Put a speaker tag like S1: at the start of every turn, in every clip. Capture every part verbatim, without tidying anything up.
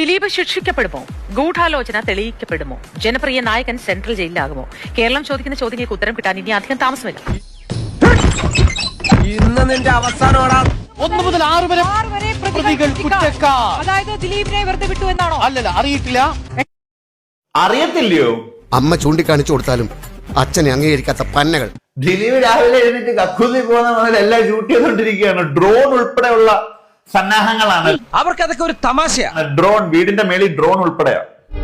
S1: ദിലീപ് ശിക്ഷിക്കപ്പെടുമോ? ഗൂഢാലോചന തെളിയിക്കപ്പെടുമോ? ജനപ്രിയ നായകൻ സെൻട്രൽ ജയിലിലാകുമോ? കേരളം ചോദിക്കുന്ന ചോദ്യങ്ങൾക്ക് ഉത്തരം കിട്ടാൻ ഇനി അധികം താമസമില്ല.
S2: ഇന്ന് നിന്റെ അവസാനം
S3: ഒന്ന് മുതൽ ആറ് വരെ പ്രതികൾ കുറ്റക്കാർ.
S1: അതായത് ദിലീപിനെ വെറുതെ വിട്ടു എന്നാണോ?
S3: അല്ലല്ല, അറിയിട്ടില്ല.
S4: അറിയത്തില്ലയോ?
S5: അമ്മ ചൂണ്ടിക്കാണിച്ചു കൊടുത്താലും അച്ഛനെ അംഗീകരിക്കാത്ത പന്നകൾ.
S4: ദിലീപ് രാവിലെ എഴുന്നേറ്റ് കക്കൂസി പോകുന്ന മുതൽ എല്ലാം ഷൂട്ട് ചെയ്തുകൊണ്ടിരിക്കുകയാണ്. ഡ്രോൺ ഉൾപ്പെടെയുള്ള സന്നാഹങ്ങളാണ്.
S2: അവർക്ക് അതൊക്കെ ഒരു തമാശയാണ്.
S4: ഡ്രോൺ, വീടിന്റെ മേളിൽ ഡ്രോൺ ഉൾപ്പെടെയാ.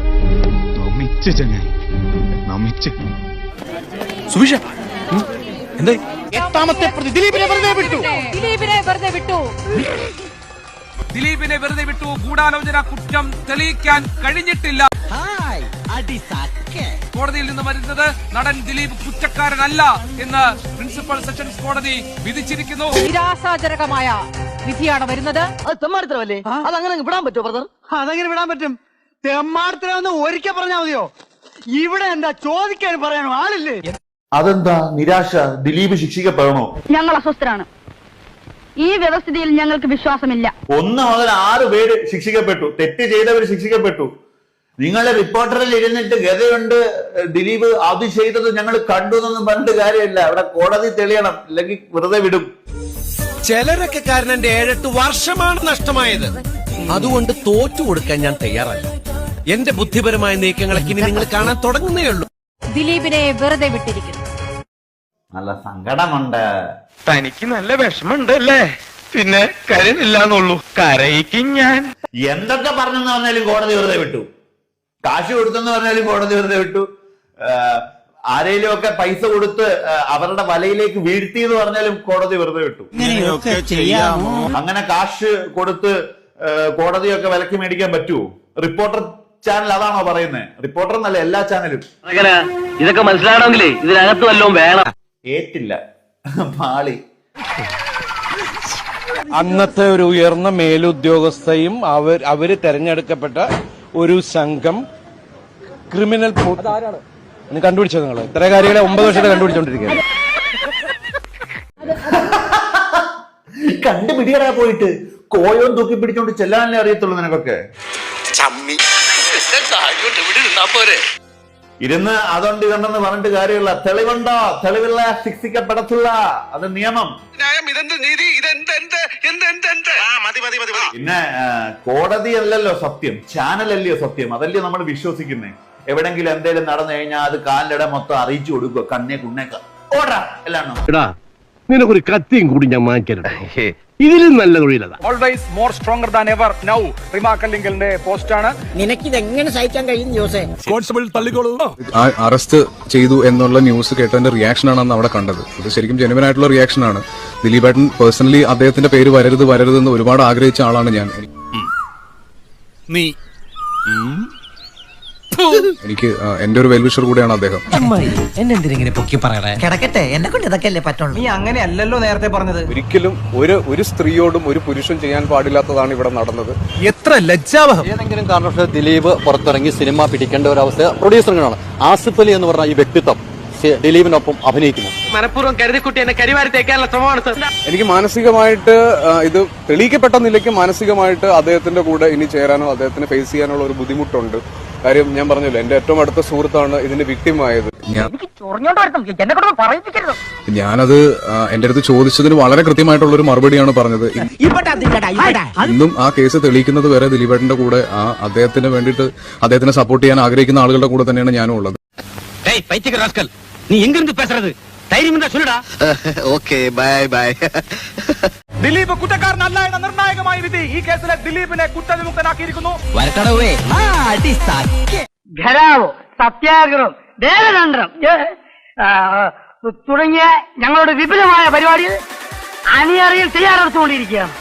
S2: സുവിശ എന്താ
S3: എട്ടാമത്തെ പ്രതി ദിലീപിനെ വെറുതെ വിട്ടു.
S1: ദിലീപിനെ വെറുതെ വിട്ടു.
S6: ദിലീപിനെ വെറുതെ വിട്ടു. ഗൂഢാലോചന കുറ്റം തെളിയിക്കാൻ കഴിഞ്ഞിട്ടില്ല. കോടതിയിൽ നിന്ന് വരുന്നത് നടൻ ദിലീപ് കുറ്റക്കാരനല്ല എന്ന് പ്രിൻസിപ്പൽ സെഷൻസ് കോടതി വിധിച്ചിരിക്കുന്നു.
S1: നിരാശാജനകമായ വിധിയാണ് വരുന്നത്.
S7: അത് തെമ്മാടിത്തരമല്ലേ? അതങ്ങനെ വിടാൻ പറ്റുമോ ബ്രദർ?
S8: അതെങ്ങനെ വിടാൻ പറ്റും? തെമ്മാടിത്തരമെന്ന് ഒരിക്കൽ പറഞ്ഞാൽ മതിയോ? ഇവിടെ എന്താ ചോദിക്കാൻ പറയാനോ ആളില്ലേ?
S4: അതെന്താ നിരാശ? ദിലീപ് ശിക്ഷിക്കപ്പെടണോ?
S9: ഞങ്ങൾ അസ്വസ്ഥരാണ്. ഈ വ്യവസ്ഥിതിയിൽ ഞങ്ങൾക്ക് വിശ്വാസമില്ല.
S4: ഒന്ന് മുതൽ ആറ് പേര് ശിക്ഷിക്കപ്പെട്ടു. തെറ്റ് ചെയ്തവർ ശിക്ഷിക്കപ്പെട്ടു. നിങ്ങളുടെ റിപ്പോർട്ടറിൽ ഇരുന്നിട്ട് ഗതയുണ്ട് ദിലീപ് അത് ചെയ്തത് ഞങ്ങൾ കണ്ടു എന്നൊന്നും പറഞ്ഞിട്ട് കാര്യമില്ല. അവിടെ കോടതി തെളിയണം, അല്ലെങ്കിൽ വെറുതെ വിടും.
S2: ചിലരൊക്കെ കാരണം എന്റെ ഏഴെട്ട് വർഷമാണ് നഷ്ടമായത്. അതുകൊണ്ട് തോറ്റു കൊടുക്കാൻ ഞാൻ തയ്യാറല്ല. എന്റെ ബുദ്ധിപരമായ നീക്കങ്ങളൊക്കെ ഇനി നിങ്ങൾ കാണാൻ തുടങ്ങുന്നേ ഉള്ളൂ.
S1: ദിലീപിനെ വെറുതെ വിട്ടിരിക്കുന്നു.
S4: നല്ല സങ്കടമുണ്ട്.
S3: തനിക്ക് നല്ല വിഷമുണ്ട് അല്ലേ? പിന്നെ കരയില്ലാന്നുള്ളൂ, കരയിക്കും ഞാൻ.
S4: എന്തൊക്കെ പറഞ്ഞെന്ന് പറഞ്ഞാലും കോടതി വെറുതെ വിട്ടു. കാശ് കൊടുത്തെന്ന് പറഞ്ഞാലും കോടതി വെറുതെ വിട്ടു. ആരെങ്കിലും ഒക്കെ പൈസ കൊടുത്ത് അവരുടെ വലയിലേക്ക് വീഴ്ത്തി എന്ന് പറഞ്ഞാലും കോടതി വെറുതെ വിട്ടു. അങ്ങനെ കാശ് കൊടുത്ത് കോടതിയൊക്കെ വിലക്ക് മേടിക്കാൻ പറ്റുമോ? റിപ്പോർട്ടർ ചാനൽ അതാണോ പറയുന്നത്? റിപ്പോർട്ടർ എന്നല്ല, എല്ലാ ചാനലും.
S7: ഇതൊക്കെ മനസ്സിലാവണമെങ്കിലേ ഇതിനകത്ത് വല്ലതും വേണം.
S4: ഏറ്റില്ല, പാളി.
S3: അന്നത്തെ ഒരു ഉയർന്ന മേലുദ്യോഗസ്ഥയും അവർ അവര് തെരഞ്ഞെടുക്കപ്പെട്ട ഒരു സംഘം ക്രിമിനൽ കണ്ടുപിടിച്ചത്. നിങ്ങൾ ഇത്ര കാര്യങ്ങളെ ഒമ്പത് വർഷത്തെ കണ്ടുപിടിച്ചോണ്ടിരിക്കുകയാണ്.
S4: കണ്ടുപിടിയടാ പോയിട്ട്. കോയോൻ തൂക്കി പിടിച്ചോണ്ട് ചെല്ലാനല്ലേ അറിയത്തുള്ളൂ നിനക്കൊക്കെ. ഇരുന്ന് അതുകൊണ്ട് ഇതുണ്ടെന്ന് പറഞ്ഞിട്ട് കാര്യമില്ല. തെളിവുണ്ടോ? തെളിവില്ല, ശിക്ഷിക്കപ്പെടത്തില്ല. അത് നിയമം. പിന്നെ കോടതി അല്ലല്ലോ സത്യം, ചാനലല്ലയോ സത്യം. അതല്ലയോ നമ്മൾ വിശ്വസിക്കുന്നേ. എവിടെങ്കിലും എന്തെങ്കിലും നടന്നു കഴിഞ്ഞാൽ അത് കാലിലിട മൊത്തം അറിയിച്ചു കൊടുക്കുക. കണ്ണേ കുണ്ണേക്ക ഓടാ എല്ലാം.
S5: നിനക്കൊരു കത്തിയും കൂടി ഞാൻ വാങ്ങിക്കരുത്. ഇതിലും നല്ല തൊഴിലതാ.
S6: Always more stronger than ever now. റിമാക്കലിംഗിന്റെ പോസ്റ്റാണ്.
S7: നിനക്കിത് എങ്ങനെ സഹിക്കാൻ കഴിയും ജോസേ?
S2: കോൺസ്റ്റബിൾ തള്ളിക്കോളൂ.
S10: അറസ്റ്റ് ചെയ്തു എന്നുള്ള ന്യൂസ് കേട്ടതിന്റെ റിയാക്ഷനാണ് അന്ന് അവിടെ കണ്ടത്. ഇത് ശരിക്കും ജെനുവൻ ആയിട്ടുള്ള റിയാക്ഷൻ ആണ്. ദിലീപേട്ടൻ പേഴ്സണലി അദ്ദേഹത്തിന്റെ പേര് വരരുത് വരരുത് എന്ന് ഒരുപാട് ആഗ്രഹിച്ച ആളാണ് ഞാൻ.
S2: നീ
S10: എനിക്ക് എന്റെ ഒരു വെൽവിഷർ കൂടെയാണ് അദ്ദേഹം.
S7: എന്നെന്തിനെ പൊക്കി പറയണേ? കിടക്കട്ടെ, എന്നെ കൊണ്ട് ഇതൊക്കെ അല്ലേ പറ്റുള്ളൂ.
S8: നീ അങ്ങനെ അല്ലല്ലോ നേരത്തെ പറഞ്ഞത്.
S10: ഒരിക്കലും ഒരു ഒരു സ്ത്രീയോടും ഒരു പുരുഷൻ ചെയ്യാൻ പാടില്ലാത്തതാണ് ഇവിടെ നടന്നത്.
S2: എത്ര ലജ്ജാവഹം.
S11: ഏതെങ്കിലും കാരണവശാൽ ദിലീപ് പുറത്തിറങ്ങി സിനിമ പിടിക്കേണ്ട ഒരു അവസ്ഥ പ്രൊഡ്യൂസറിനാണ്. ആസിഫ് അലി എന്ന് പറഞ്ഞ ഈ വ്യക്തിത്വം ദിലീപിനൊപ്പം അഭിനയിക്കുന്നു.
S7: മനഃപൂർവ്വം കരുതിക്കുട്ടി എന്നെ കരിവാരി തേക്കാനുള്ള ശ്രമമാണ്.
S10: എനിക്ക് മാനസികമായിട്ട് ഇത് തെളിയിക്കപ്പെട്ട നിലയ്ക്ക് മാനസികമായിട്ട് അദ്ദേഹത്തിന്റെ കൂടെ ഇനി ചേരാനോ അദ്ദേഹത്തിന് ഫേസ് ചെയ്യാനുള്ള ഒരു ബുദ്ധിമുട്ടുണ്ട്. കാര്യം ഞാൻ പറഞ്ഞല്ലോ, എന്റെ ഏറ്റവും അടുത്ത സുഹൃത്താണ് ഇതിന്റെ വിക്ടിമായത്. ഞാനത് എന്റെ അടുത്ത് ചോദിച്ചതിന് വളരെ കൃത്യമായിട്ടുള്ള ഒരു മറുപടിയാണ് പറഞ്ഞത്. ഇന്നും ആ കേസ് തെളിയിക്കുന്നത് വരെ ദിലീപേട്ടന്റെ കൂടെ ആ അദ്ദേഹത്തിന് വേണ്ടിയിട്ട് അദ്ദേഹത്തിനെ സപ്പോർട്ട് ചെയ്യാൻ ആഗ്രഹിക്കുന്ന ആളുകളുടെ കൂടെ തന്നെയാണ് ഞാനും ഉള്ളത്.
S7: നീ എങ്കിലും പേசுறது ധൈര്യം എന്താ ചൊല്ലടാ.
S5: Okay, bye bye.
S6: ദിലീപ് കുറ്റക്കാരനല്ല എന്ന നിർണായകമായ വിധി ഈ കേസിലെ ദിലീപിനെ കുറ്റവിമുക്തനാക്കിയിരിക്കുന്നു.
S7: വരക്കടവേ
S8: ഘരാവോ, സത്യാഗ്രഹം, ദേവതന്ത്രം തുടങ്ങിയ ഞങ്ങളുടെ വിപുലമായ പരിപാടികൾ അണിയറയിൽ തയ്യാറെടുത്തുകൊണ്ടിരിക്കുകയാണ്.